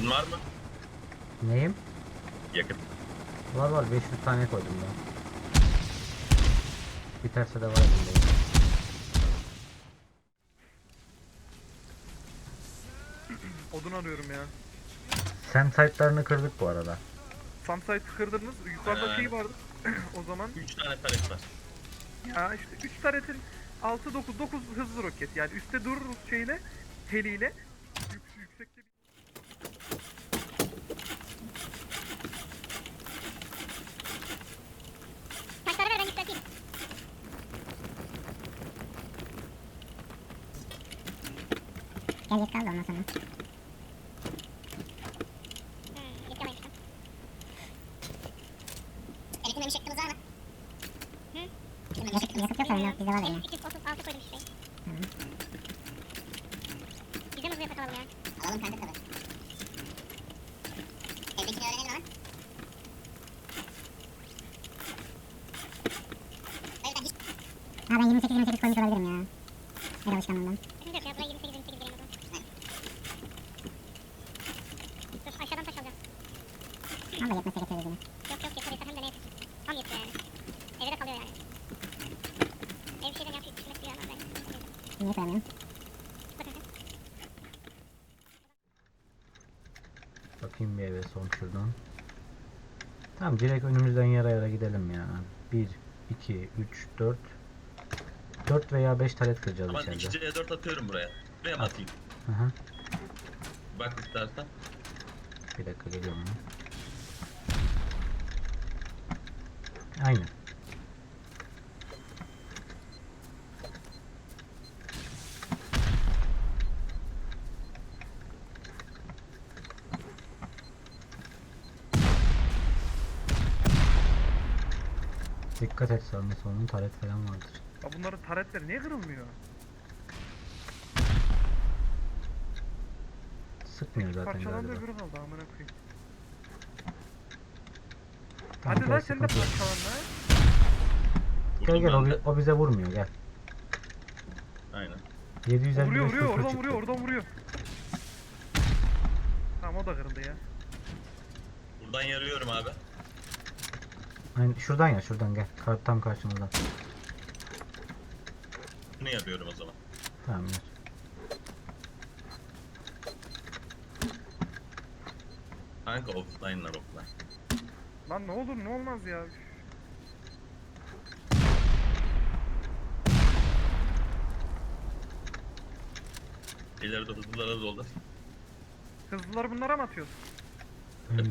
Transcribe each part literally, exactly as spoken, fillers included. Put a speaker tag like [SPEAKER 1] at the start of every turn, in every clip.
[SPEAKER 1] Yakıtın var mı?
[SPEAKER 2] Neyim?
[SPEAKER 1] Yakıt.
[SPEAKER 2] Var var, beş yüz tane koydum ben. Biterse de var elimde.
[SPEAKER 3] Odun arıyorum ya.
[SPEAKER 2] Sem site'larını kırdık bu arada.
[SPEAKER 3] Samsite kırdınız. Yukarıda
[SPEAKER 1] Ha.
[SPEAKER 3] şey vardı. O zaman
[SPEAKER 1] üç tane taret var.
[SPEAKER 3] ya işte üç taretin altı dokuz dokuz hızlı roket. Yani üstte dururuz şeyle, heliyle. Yük, yüksekte bir...
[SPEAKER 4] Taşları ver ben yükselteyim. Gel yet kaldı ondan sonra. Hmm, yet yamaymıştım. Elektriğine bir şeklimiz var mı? Hı? Yakıt, yakıt yok sorun yok, bizde var benim. iki yüz otuz altı koydum şuraya. Hı. Bizde mi hızlı yakıt alalım ya? Alalım kanka tabii. Evdekini öğrenelim ama. Ha ben yirmi sekiz yirmi sekiz koymuş olabilirim ya. El alışkanlığından. Şimdi yok ya buraya yirmi sekiz yirmi sekiz vereyim o zaman. Dur aşağıdan taş alacağım. Valla yetmezse getiririz yine. Yok yok yeter yeter hem de ne yeter. Tam yetiyor yani. Evde de kalıyor yani. Ev şeyden yapıp pişirmek bir yana ben. Niye koyamıyorum? Bakın sen.
[SPEAKER 2] Bakayım bir eve son şuradan. Tamam, direkt önümüzden yara yara gidelim ya. bir, iki, üç, dört. dört veya beş taret kıracağız
[SPEAKER 1] Ama
[SPEAKER 2] içeride.
[SPEAKER 1] iki C dört atıyorum buraya. Buraya mı atayım?
[SPEAKER 2] Hı hı.
[SPEAKER 1] Bak istersen.
[SPEAKER 2] Bir dakika geliyorum ben. Aynen. Dikkat et, sağında solunun taret falan vardır.
[SPEAKER 3] Ya bunların taretleri niye kırılmıyor?
[SPEAKER 2] Sıkmıyor zaten
[SPEAKER 3] Parçalandı
[SPEAKER 2] galiba.
[SPEAKER 3] öbürü kaldı amına koyayım.
[SPEAKER 2] Tamam,
[SPEAKER 3] Hadi lan
[SPEAKER 2] gel,
[SPEAKER 3] sen de
[SPEAKER 2] sıkıntı yok.
[SPEAKER 3] parçalan lan.
[SPEAKER 2] Gel
[SPEAKER 1] Vurdum
[SPEAKER 2] gel, o,
[SPEAKER 1] ben
[SPEAKER 2] bi-
[SPEAKER 1] de.
[SPEAKER 2] o bize vurmuyor, gel.
[SPEAKER 1] Aynen.
[SPEAKER 2] yedi yüz elli
[SPEAKER 3] Vuruyor
[SPEAKER 2] beş
[SPEAKER 3] vuruyor
[SPEAKER 2] sıfır
[SPEAKER 3] oradan
[SPEAKER 2] çıktı.
[SPEAKER 3] vuruyor oradan vuruyor. Tamam o da kırıldı ya.
[SPEAKER 1] Buradan yarıyorum abi.
[SPEAKER 2] Aynen, şuradan ya, şuradan gel. Kar, tam karşımızdan.
[SPEAKER 1] Bunu yarıyorum o zaman.
[SPEAKER 2] Tamam gel.
[SPEAKER 1] Kanka offline'lar offline.
[SPEAKER 3] Lan ne olur ne olmaz ya.
[SPEAKER 1] İleride hızlılara doldur.
[SPEAKER 3] Hızlıları bunlara mı atıyorsun?
[SPEAKER 2] Aynen.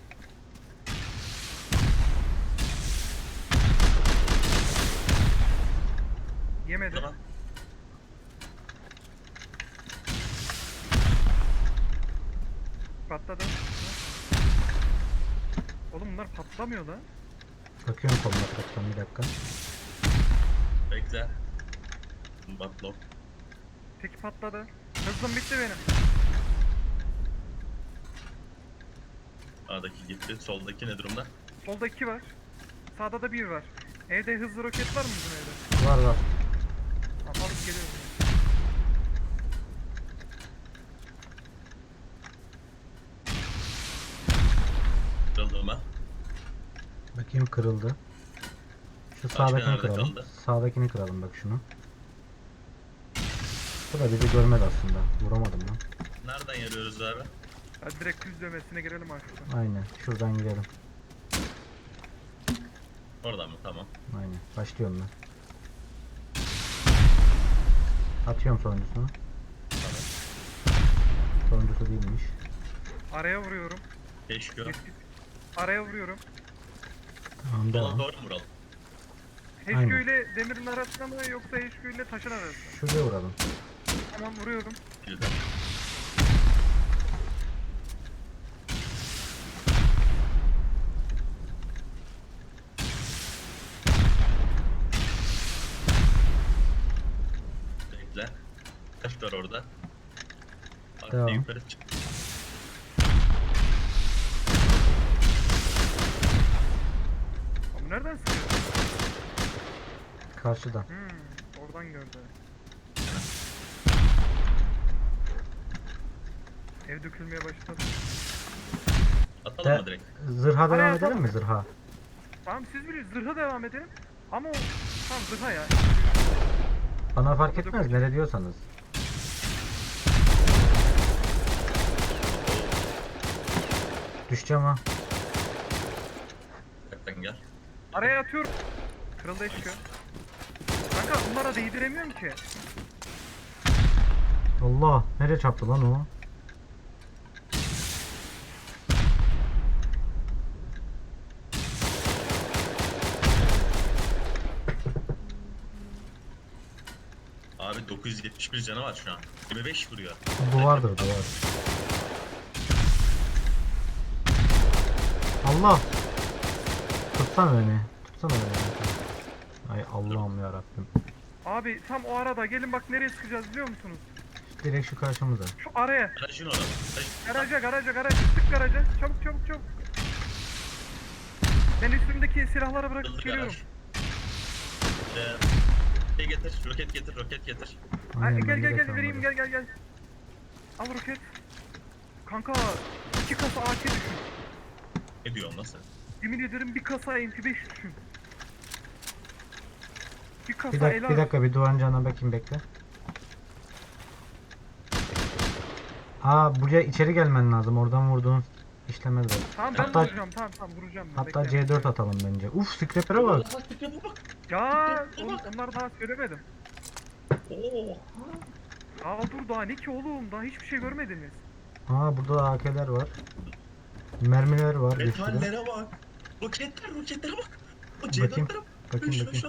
[SPEAKER 3] Yemedi.
[SPEAKER 1] Tamam.
[SPEAKER 3] Patladı. Oğlum bunlar patlamıyor da.
[SPEAKER 2] Bakıyorum kombat baktan, bir dakika.
[SPEAKER 1] Bekle. Batlock.
[SPEAKER 3] Peki patladı. Hızım bitti benim.
[SPEAKER 1] Sağdaki gitti. Soldaki ne durumda?
[SPEAKER 3] Solda iki var. Sağda da bir var. Evde hızlı roket var mı bizim evde?
[SPEAKER 2] Var var.
[SPEAKER 3] Tamam alıp geliyorum.
[SPEAKER 1] Kırıldı mı?
[SPEAKER 2] Bakayım, kırıldı. Şu
[SPEAKER 1] Başka
[SPEAKER 2] sağdakini
[SPEAKER 1] nerede
[SPEAKER 2] kıralım.
[SPEAKER 1] kaldı?
[SPEAKER 2] Sağdakini kıralım bak, şunu. Bu da bizi görmedi aslında. Vuramadım lan.
[SPEAKER 1] Nereden yarıyoruz abi?
[SPEAKER 3] Hadi direkt düz dövmesine girelim artık.
[SPEAKER 2] Aynen. Şuradan girelim.
[SPEAKER 1] Oradan mı? Tamam.
[SPEAKER 2] Aynen. Başlıyorum ben. Atıyorum sonuncusunu.
[SPEAKER 1] Tamam.
[SPEAKER 2] Sonuncusu değilmiş.
[SPEAKER 3] Araya vuruyorum.
[SPEAKER 1] Keşke.
[SPEAKER 3] Araya vuruyorum.
[SPEAKER 2] Tamam,
[SPEAKER 1] Sola
[SPEAKER 2] devam.
[SPEAKER 1] doğru mu vuralım?
[SPEAKER 3] H Q
[SPEAKER 2] Aynen.
[SPEAKER 3] ile demirin arasında mı yoksa H Q ile taşın arasında mı?
[SPEAKER 2] Şuraya vuralım.
[SPEAKER 3] Tamam vuruyorum.
[SPEAKER 1] Güzel. Bekle. Taş var orada.
[SPEAKER 2] Devam.
[SPEAKER 1] Hafif yukarı çık.
[SPEAKER 3] Ama nereden sıkıyor?
[SPEAKER 2] Karşıdan.
[SPEAKER 3] Hmm, oradan gördü. Ev dökülmeye başladı.
[SPEAKER 1] Atalım
[SPEAKER 2] De-
[SPEAKER 1] mı direkt?
[SPEAKER 2] Zırha
[SPEAKER 3] Araya
[SPEAKER 2] devam edelim
[SPEAKER 3] atalım.
[SPEAKER 2] mi zırha?
[SPEAKER 3] Tamam siz bilirsiniz. Zırha devam edelim. Ama o... Tamam zırha ya.
[SPEAKER 2] Bana fark etmez nere diyorsanız. Düşeceğim ha.
[SPEAKER 1] Hakikaten gel.
[SPEAKER 3] Araya atıyorum. Kırıldı eşkı. Kanka bunlara değdiremiyorum ki.
[SPEAKER 2] Allah nereye çarptı lan o?
[SPEAKER 1] Abi dokuz yüz yetmiş bir canı var şu an. yirmi beş vuruyor.
[SPEAKER 2] Duvardır duvar. Allah! Tutsana beni. Tutsana beni. Ay Allah'ım yarabbim.
[SPEAKER 3] Abi tam o arada gelin bak nereye çıkacağız biliyor musunuz?
[SPEAKER 2] Direkt şu karşımıza.
[SPEAKER 3] Şu araya.
[SPEAKER 1] Aracın orada. Aracın-
[SPEAKER 3] Garaja garaja garaja. Tık garaja. Çabuk çabuk çabuk. Ben üstümdeki silahları bırakıp
[SPEAKER 1] Hızlı
[SPEAKER 3] geliyorum.
[SPEAKER 1] garaj. Ee, şey getir, roket getir, roket getir.
[SPEAKER 3] Ay,
[SPEAKER 2] Aynen,
[SPEAKER 3] gel
[SPEAKER 2] ben
[SPEAKER 3] gel
[SPEAKER 2] de
[SPEAKER 3] gel
[SPEAKER 2] tamam,
[SPEAKER 3] vereyim
[SPEAKER 2] hadi.
[SPEAKER 3] gel gel gel. Al roket. Kanka iki kasa A K düşün.
[SPEAKER 1] Ne diyorsun nasıl?
[SPEAKER 3] Yemin ederim bir kasa M P beş düşün. Bir kasa
[SPEAKER 2] Bir dakika, bir
[SPEAKER 3] el
[SPEAKER 2] dakika bir duvarın canına bakayım bekle. Aa buraya içeri gelmen lazım. Oradan vurduğun işlemez var.
[SPEAKER 3] Tamam ben
[SPEAKER 2] Hatta-
[SPEAKER 3] vuracağım tamam tamam vuracağım. ben,
[SPEAKER 2] Hatta
[SPEAKER 3] bekle.
[SPEAKER 2] C dört atalım bence. Uf scraper'e bak.
[SPEAKER 3] Ya on, onlar daha söylemedim.
[SPEAKER 1] Oo.
[SPEAKER 3] Aa dur daha ne ki oğlum daha hiçbir şey görmediniz.
[SPEAKER 2] Aa burada da A K'ler var. Mermiler var bir sürü.
[SPEAKER 1] Metallere bak. Roketler, roketlere bak. O
[SPEAKER 2] Bakayım,
[SPEAKER 1] C dörtlere bak.
[SPEAKER 2] bakayım,
[SPEAKER 1] Şu,
[SPEAKER 2] bakayım.
[SPEAKER 1] şu.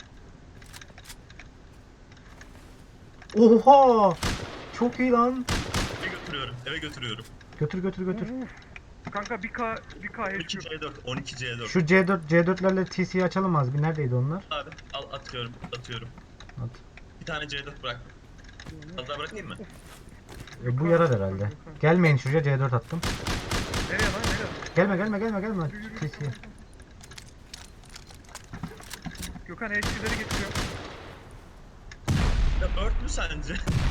[SPEAKER 2] Oha! Çok iyi lan.
[SPEAKER 1] Eve götürüyorum, eve götürüyorum.
[SPEAKER 2] Götür götür götür.
[SPEAKER 3] Uf. Kanka bir K bir K
[SPEAKER 1] on
[SPEAKER 3] H
[SPEAKER 1] iki
[SPEAKER 3] Q.
[SPEAKER 1] C dört, on iki C dört.
[SPEAKER 2] Şu C dört C dörtlerle T C'yi açalım az bir. Neredeydi onlar?
[SPEAKER 1] Abi al atıyorum, atıyorum.
[SPEAKER 2] At.
[SPEAKER 1] Bir tane C dört bırak. Fazla bırakayım mı?
[SPEAKER 2] E, bu yarar herhalde. Gelmeyin şuraya C dört attım.
[SPEAKER 3] Nereye lan nereye?
[SPEAKER 2] Gelme gelme gelme gelme.
[SPEAKER 3] Yürü, yürü,
[SPEAKER 2] T
[SPEAKER 3] yürü.
[SPEAKER 2] C'ye.
[SPEAKER 3] Gökhan H Q'leri getiriyor.
[SPEAKER 1] Ya ört mü sence?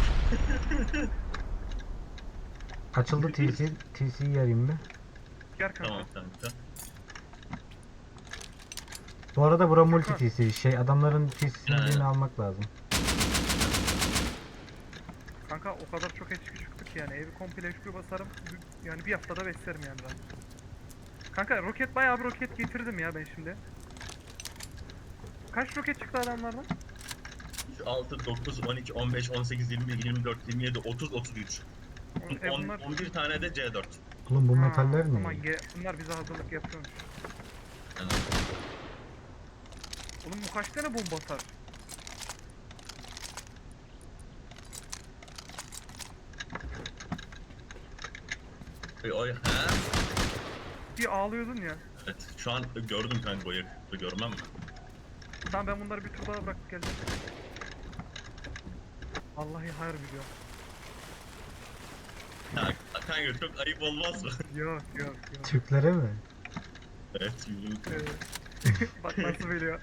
[SPEAKER 2] Açıldı T C. T C'yi yarayım bir.
[SPEAKER 3] Gel kanka.
[SPEAKER 1] Tamam kanka.
[SPEAKER 2] Bu arada bura multi T C. Şey adamların T C'sini
[SPEAKER 1] Ha.
[SPEAKER 2] birini almak lazım.
[SPEAKER 3] Kanka o kadar çok H Q çıktı ki yani evi komple H Q basarım. Yani bir haftada beslerim yani ben. Kanka roket bayağı bir roket getirdim ya ben şimdi. Kaç roket çıktı adamlardan?
[SPEAKER 1] altı, dokuz, on iki, on beş, on sekiz, yirmi, yirmi dört, yirmi yedi, otuz, otuz üç.
[SPEAKER 3] E
[SPEAKER 1] on,
[SPEAKER 3] bunlar...
[SPEAKER 1] on bir tane de C dört.
[SPEAKER 2] Oğlum bu
[SPEAKER 3] Ha,
[SPEAKER 2] metaller
[SPEAKER 3] Aman
[SPEAKER 2] ne?
[SPEAKER 3] ge- bunlar bize hazırlık yapıyormuş.
[SPEAKER 1] Yani
[SPEAKER 3] Oğlum bu kaç tane bomba atar?
[SPEAKER 1] Oy, oy, ha?
[SPEAKER 3] Bir ağlıyordun ya.
[SPEAKER 1] Evet, şu an gördüm kanka o yakıtı görmem mi?
[SPEAKER 3] Tamam ben bunları bir tur daha bırakıp geleceğim. Vallahi hayır biliyor.
[SPEAKER 1] Ya kanka çok ayıp olmaz mı?
[SPEAKER 3] Yok yok yok.
[SPEAKER 2] Türklere mi?
[SPEAKER 1] Evet, yumruk.
[SPEAKER 3] Evet. Bak nasıl veriyor.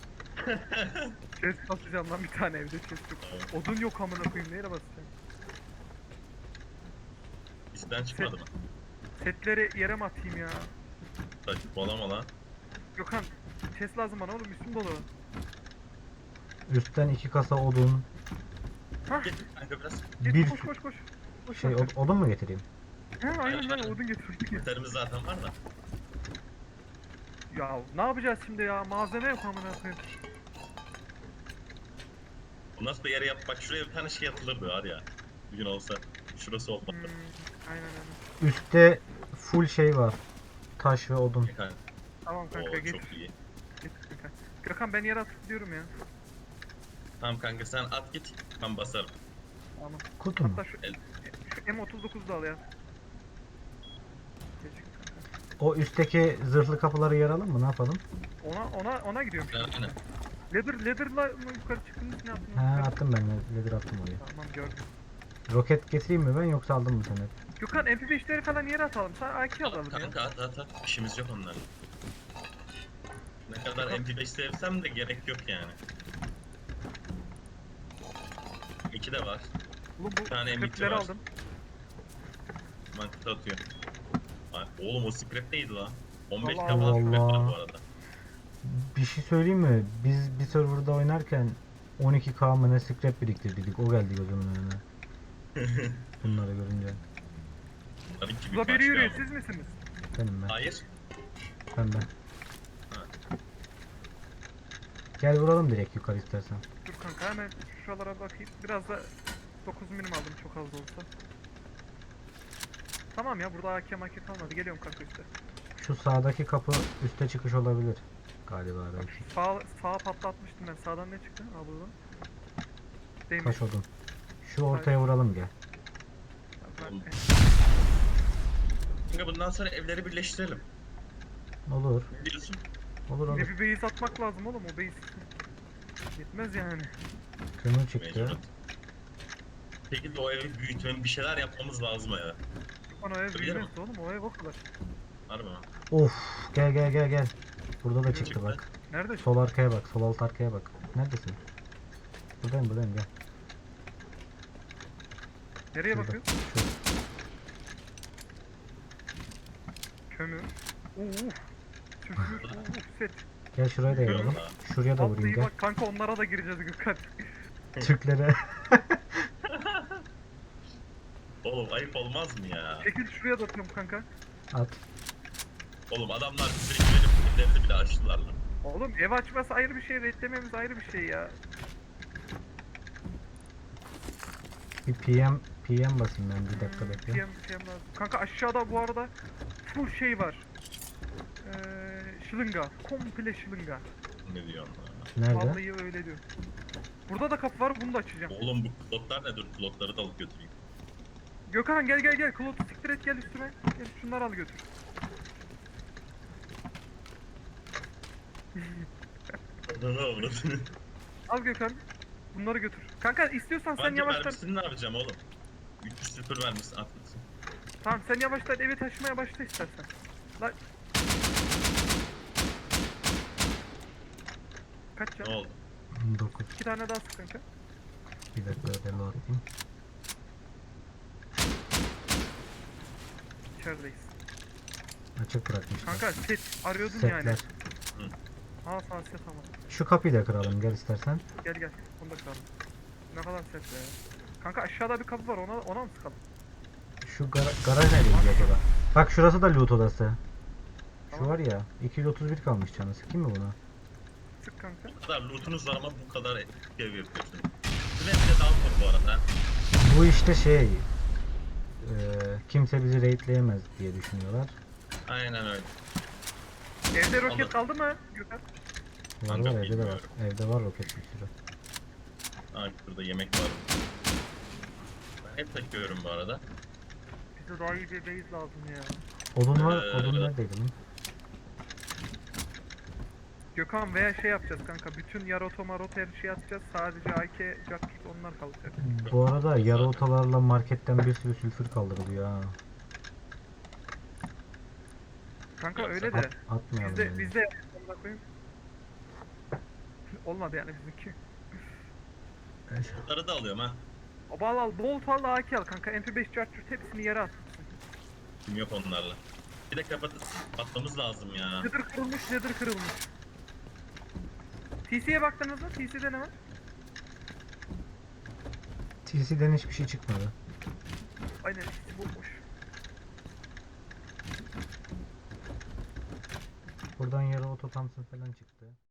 [SPEAKER 3] Chest basacağım lan bir tane evde chest yok. Odun yok amına koyayım neyle basacağım?
[SPEAKER 1] Bizden çıkmadı mı?
[SPEAKER 3] Setleri yere mi atayım ya?
[SPEAKER 1] Saçmalama lan.
[SPEAKER 3] Gökhan chest lazım bana oğlum üstüm dolu.
[SPEAKER 2] Üstten iki kasa odun.
[SPEAKER 3] Hah
[SPEAKER 1] Getir kanka biraz.
[SPEAKER 3] git
[SPEAKER 2] Bir
[SPEAKER 3] koş koş koş. Koş
[SPEAKER 2] şey
[SPEAKER 3] kanka.
[SPEAKER 2] od- odun mu getireyim?
[SPEAKER 3] He aynen lan odun getirdik ya.
[SPEAKER 1] Yeterimiz zaten var da.
[SPEAKER 3] Ya ne yapacağız şimdi ya malzeme yok amına koyayım.
[SPEAKER 1] Bu nasıl bir yere yap? Bak şuraya bir tane şey atılırdı var ya. Bir gün olsa. Şurası olmadı.
[SPEAKER 3] Hmm, aynen aynen.
[SPEAKER 2] Üstte full şey var. Taş ve odun.
[SPEAKER 1] Kanka.
[SPEAKER 3] Tamam kanka
[SPEAKER 1] Oo
[SPEAKER 3] getir.
[SPEAKER 1] çok iyi.
[SPEAKER 3] Getir kanka. Gökhan ben yere atıp gidiyorum ya.
[SPEAKER 1] Tamam kanka sen at git. Ben basarım.
[SPEAKER 3] Tamam.
[SPEAKER 2] Kutu mu?
[SPEAKER 3] Hatta şu,
[SPEAKER 1] El.
[SPEAKER 3] şu M otuz dokuz da al ya. Gelecek kanka.
[SPEAKER 2] O üstteki zırhlı kapıları yaralım mı? Ne yapalım?
[SPEAKER 3] Ona ona ona gidiyorum şimdi.
[SPEAKER 1] Aynen.
[SPEAKER 3] Leather leather'la mı yukarı çıktınız ne yaptınız?
[SPEAKER 2] Ha
[SPEAKER 3] Yukarı-
[SPEAKER 2] attım ben. Leather attım oraya.
[SPEAKER 3] Tamam gördüm.
[SPEAKER 2] Roket getireyim mi ben yoksa aldım mı sen hep?
[SPEAKER 3] Gökhan M P beşleri falan yere atalım. Sen A K alalım ya.
[SPEAKER 1] Kanka at at at. İşimiz yok onlarla. Ne kadar M P beş sevsem de gerek yok yani. İki de var.
[SPEAKER 3] Oğlum bu
[SPEAKER 1] tane M iki
[SPEAKER 3] scriptleri
[SPEAKER 1] var.
[SPEAKER 3] aldım.
[SPEAKER 1] Ben kıta atıyor. Ay, oğlum o scrap neydi lan? on beş
[SPEAKER 3] Allah
[SPEAKER 1] k falan scrap var
[SPEAKER 2] Allah.
[SPEAKER 1] bu arada.
[SPEAKER 2] Bir şey söyleyeyim mi? Biz bir serverda oynarken on iki K mı ne scrap biriktirdik. O geldi gözümün önüne. Bunları görünce.
[SPEAKER 1] Tabii ki bir
[SPEAKER 3] Burada biri
[SPEAKER 1] başka
[SPEAKER 3] yürüyor,
[SPEAKER 1] ama.
[SPEAKER 3] siz misiniz?
[SPEAKER 2] Benim ben.
[SPEAKER 1] Hayır.
[SPEAKER 2] Ben ben.
[SPEAKER 1] Ha.
[SPEAKER 2] Gel vuralım direkt yukarı istersen.
[SPEAKER 3] Dur kanka hemen şuralara bakayım. Biraz da dokuz milim aldım çok az da olsa. Tamam ya burada A K M A K kalmadı. Geliyorum kanka üstte.
[SPEAKER 2] Şu sağdaki kapı üste çıkış olabilir. Galiba
[SPEAKER 3] Bak
[SPEAKER 2] belki.
[SPEAKER 3] şu sağ, sağa patlatmıştım ben. Sağdan ne çıktı? Aa buradan. Değmiş.
[SPEAKER 2] Taş odun. Şu ortaya vuralım gel.
[SPEAKER 3] Ben-
[SPEAKER 1] Şimdi bundan sonra evleri birleştirelim.
[SPEAKER 2] Olur.
[SPEAKER 1] Ne diyorsun?
[SPEAKER 2] Olur olur.
[SPEAKER 3] Bir bir base atmak lazım oğlum o base. Yetmez yani.
[SPEAKER 2] Kömür çıktı.
[SPEAKER 1] Mecbur. Peki de o evi büyütmem bir şeyler yapmamız lazım ya.
[SPEAKER 3] Bana o ev
[SPEAKER 1] Öyle
[SPEAKER 3] büyümez
[SPEAKER 1] mi?
[SPEAKER 3] oğlum o ev o kadar.
[SPEAKER 1] Harbi mi?
[SPEAKER 2] Of gel gel gel gel. Burada da çıktı
[SPEAKER 1] Çıktı.
[SPEAKER 2] bak.
[SPEAKER 3] Nerede?
[SPEAKER 2] Sol arkaya bak. Sol alt arkaya bak. Neredesin? Buradayım buradayım gel.
[SPEAKER 3] Nereye
[SPEAKER 2] Şurada.
[SPEAKER 3] bakıyorsun?
[SPEAKER 2] Şu.
[SPEAKER 3] Kömür. Uf. Tüfür. Uf set.
[SPEAKER 2] Gel şuraya da
[SPEAKER 1] Görüyorum
[SPEAKER 2] yapalım.
[SPEAKER 1] da.
[SPEAKER 2] Şuraya da vurayım
[SPEAKER 3] Vallahi
[SPEAKER 2] gel.
[SPEAKER 3] bak kanka onlara da gireceğiz Gökhan.
[SPEAKER 2] Türklere.
[SPEAKER 1] Oğlum ayıp olmaz mı ya?
[SPEAKER 3] Çekil şuraya da atıyorum kanka.
[SPEAKER 2] At.
[SPEAKER 1] Oğlum adamlar bize güvenip evlerini bile açtılar lan.
[SPEAKER 3] Oğlum ev açması ayrı bir şey, redlememiz ayrı bir şey ya.
[SPEAKER 2] Bir P M P M basayım ben bir dakika
[SPEAKER 3] Hmm,
[SPEAKER 2] bekle.
[SPEAKER 3] P M, P M lazım. Kanka aşağıda bu arada full şey var. Ee, şılınga. Komple şılınga.
[SPEAKER 1] Ne diyorsun lan?
[SPEAKER 2] Nerede?
[SPEAKER 3] Vallahi öyle diyor. Burada da kapı var bunu da açacağım.
[SPEAKER 1] Oğlum bu klotlar ne? Dur klotları da alıp götüreyim.
[SPEAKER 3] Gökhan gel gel gel. Klotu siktir et gel üstüme. Gel şunları al götür. Al Gökhan. Bunları götür. Kanka istiyorsan sen
[SPEAKER 1] Bence
[SPEAKER 3] yavaştan...
[SPEAKER 1] mermisini ne yapacağım oğlum? üç yüz sıfır vermişsin atmışsın.
[SPEAKER 3] Tamam sen yavaştan evi taşımaya başla istersen. Lan... Kaç
[SPEAKER 1] Ne
[SPEAKER 3] can?
[SPEAKER 1] oldu?
[SPEAKER 2] dokuz.
[SPEAKER 3] İki tane daha sık kanka.
[SPEAKER 2] Bir dakika ödeli atayım.
[SPEAKER 3] İçerideyiz.
[SPEAKER 2] Açık bırakmışlar.
[SPEAKER 3] Kanka set arıyordun
[SPEAKER 2] Setler.
[SPEAKER 3] yani. Ha sana set ama.
[SPEAKER 2] Şu kapıyı da kıralım gel istersen.
[SPEAKER 3] Gel gel. Onu da kıralım. Ne kadar set be. Kanka aşağıda bir kapı var ona ona mı sıkalım?
[SPEAKER 2] Şu gara- garaj nereye gidiyor acaba? Bak şurası da loot odası. Şu
[SPEAKER 3] Tamam.
[SPEAKER 2] var ya iki yüz otuz bir kalmış canı. Sıkayım mı buna?
[SPEAKER 3] Sık kanka.
[SPEAKER 1] Bu kadar lootunuz var ama bu kadar ev yapıyorsun. Süre bile daha zor bu arada.
[SPEAKER 2] Bu işte şey eee, kimse bizi raidleyemez diye düşünüyorlar.
[SPEAKER 1] Aynen öyle.
[SPEAKER 3] Evde roket
[SPEAKER 1] Anladım.
[SPEAKER 3] kaldı mı Gökhan?
[SPEAKER 2] Var
[SPEAKER 1] Kanka
[SPEAKER 2] var evde de var.
[SPEAKER 1] bilmiyorum.
[SPEAKER 2] Evde var roket bir sürü.
[SPEAKER 1] Aa, burada yemek var. Ben hep takıyorum bu arada.
[SPEAKER 3] Bize daha iyi bir base lazım ya.
[SPEAKER 2] Odun var.
[SPEAKER 1] Ee,
[SPEAKER 2] Odun neredeydi lan?
[SPEAKER 3] Gökhan veya şey yapacağız kanka. Bütün yaroto maroto her şeyi atacağız. Sadece A K, Jack onlar kalacak.
[SPEAKER 2] Bu arada yarı otolarla marketten bir sürü sülfür kaldırılıyor ha.
[SPEAKER 3] Kanka
[SPEAKER 1] Yok,
[SPEAKER 3] öyle de.
[SPEAKER 2] At, atmayalım
[SPEAKER 3] Bizde
[SPEAKER 2] yani.
[SPEAKER 3] bizde amına koyayım. Olmadı yani bizimki.
[SPEAKER 1] Bunları da alıyorum ha.
[SPEAKER 3] Al al bolt al A K al kanka. M P beş charger hepsini yere at.
[SPEAKER 1] Kim yok onlarla. Bir de kapat atmamız lazım ya.
[SPEAKER 3] Nether kırılmış, nether kırılmış. T C'ye baktınız mı? T C'de ne var?
[SPEAKER 2] T C'den hiçbir şey çıkmadı.
[SPEAKER 3] Aynen T C bomboş.
[SPEAKER 2] Buradan yarı oto Thompson falan çıktı.